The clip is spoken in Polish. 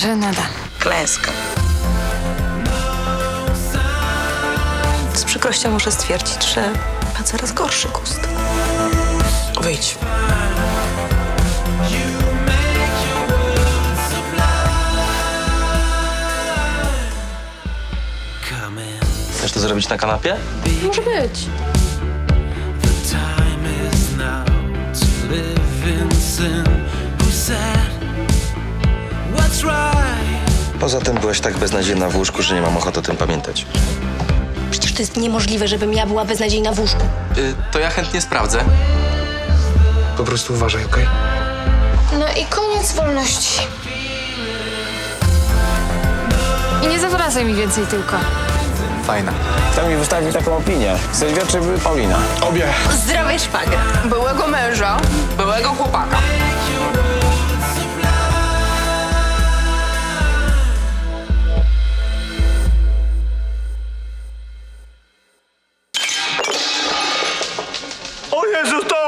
Żenada. Klęska. Z przykrością muszę stwierdzić, że ma coraz gorszy gust. Wyjdź. Chcesz to zrobić na kanapie? Może być. Poza tym byłaś tak beznadziejna w łóżku, że nie mam ochoty o tym pamiętać. Przecież to jest niemożliwe, żebym ja była beznadziejna w łóżku. To ja chętnie sprawdzę. Po prostu uważaj, okej? No i koniec wolności. I nie zawracaj mi więcej tylko. Fajna. Kto mi wystawił taką opinię? Sylwia czy Paulina? Obie. Zdrowie szwagra. Byłego męża. Byłego chłopaka. O Jezu, to